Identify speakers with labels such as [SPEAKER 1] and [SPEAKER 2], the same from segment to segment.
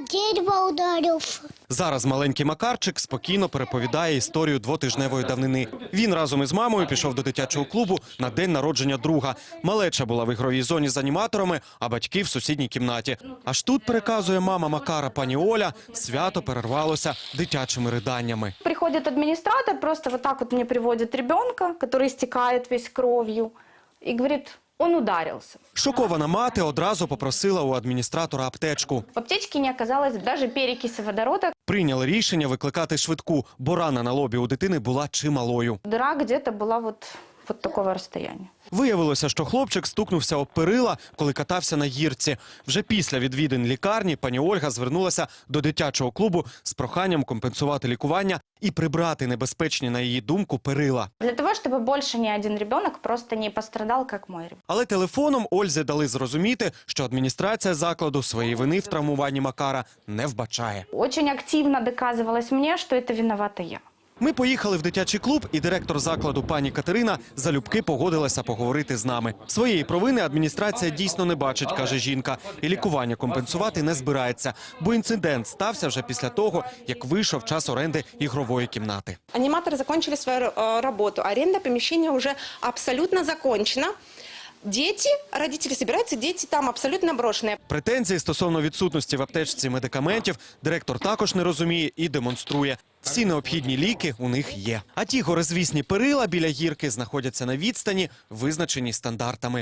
[SPEAKER 1] дерево ударив.
[SPEAKER 2] Зараз маленький Макарчик спокійно переповідає історію двотижневої давнини. Він разом із мамою пішов до дитячого клубу на день народження друга. Малеча була в ігровій зоні з аніматорами, а батьки в сусідній кімнаті. Аж тут, переказує мама Макара, пані Оля, свято перервалося дитячими риданнями.
[SPEAKER 3] Приходит администратор, просто вот так вот мне приводит ребенка, который истекает весь кровью, и говорит, он ударился.
[SPEAKER 2] Шокована мати одразу попросила у адміністратора аптечку.
[SPEAKER 3] В аптечке не оказалось даже перекиси водорода.
[SPEAKER 2] Прийняли рішення викликати швидку, бо рана на лобі у дитини була чималою.
[SPEAKER 3] Дыра где-то была вот такого расстояния.
[SPEAKER 2] Виявилося, що хлопчик стукнувся об перила, коли катався на гірці. Вже після відвідин лікарні пані Ольга звернулася до дитячого клубу з проханням компенсувати лікування і прибрати небезпечні, на її думку, перила.
[SPEAKER 3] Для того, чтобы больше ни один ребенок просто не пострадал, как мой ребенок.
[SPEAKER 2] Але телефоном Ользі дали зрозуміти, що адміністрація закладу своєї вини в травмуванні Макара не вбачає.
[SPEAKER 3] Очень активно доказывалось мне, что это виновата я.
[SPEAKER 2] Ми поїхали в дитячий клуб, і директор закладу пані Катерина залюбки погодилася поговорити з нами. Своєї провини адміністрація дійсно не бачить, каже жінка, і лікування компенсувати не збирається, бо інцидент стався вже після того, як вийшов час оренди ігрової кімнати.
[SPEAKER 4] Аниматоры закончили свою работу, аренда помещения уже абсолютно закончена. Дети, родители собираются, дети там абсолютно брошенные.
[SPEAKER 2] Претензії стосовно відсутності в аптечці медикаментів директор також не розуміє і демонструє. Всі необхідні ліки у них є. А ті горизвісні перила біля гірки знаходяться на відстані, визначені стандартами.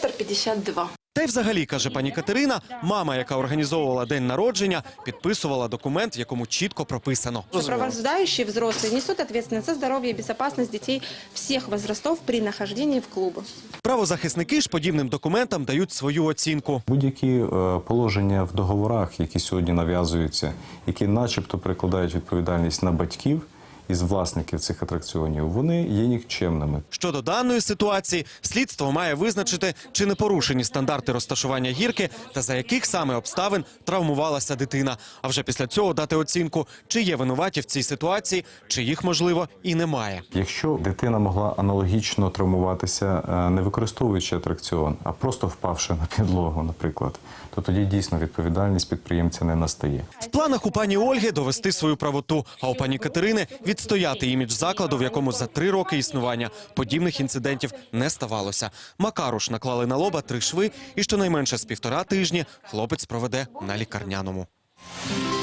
[SPEAKER 4] 1,52 м.
[SPEAKER 2] Та й взагалі, каже пані Катерина, мама, яка організовувала день народження, підписувала документ, в якому чітко прописано.
[SPEAKER 4] Сопровождающие взрослые несут ответственность за здоровье и безопасность детей всех возрастов при нахождении в клубах.
[SPEAKER 2] Правозахисники ж подібним документам дають свою оцінку.
[SPEAKER 5] Будь-які положення в договорах, які сьогодні нав'язуються, які начебто перекладають відповідальність на батьків із власників цих атракціонів, вони є нікчемними.
[SPEAKER 2] Щодо даної ситуації, слідство має визначити, чи не порушені стандарти розташування гірки та за яких саме обставин травмувалася дитина. А вже після цього дати оцінку, чи є винуваті в цій ситуації, чи їх, можливо, і немає.
[SPEAKER 5] Якщо дитина могла аналогічно травмуватися, не використовуючи атракціон, а просто впавши на підлогу, наприклад, то тоді дійсно відповідальність підприємця не настає.
[SPEAKER 2] В планах у пані Ольги довести свою правоту, а у пані Катерини відстояти імідж закладу, в якому за 3 роки існування подібних інцидентів не ставалося. Макару ж наклали на лоба 3 шви і щонайменше з 1,5 тижні хлопець проведе на лікарняному.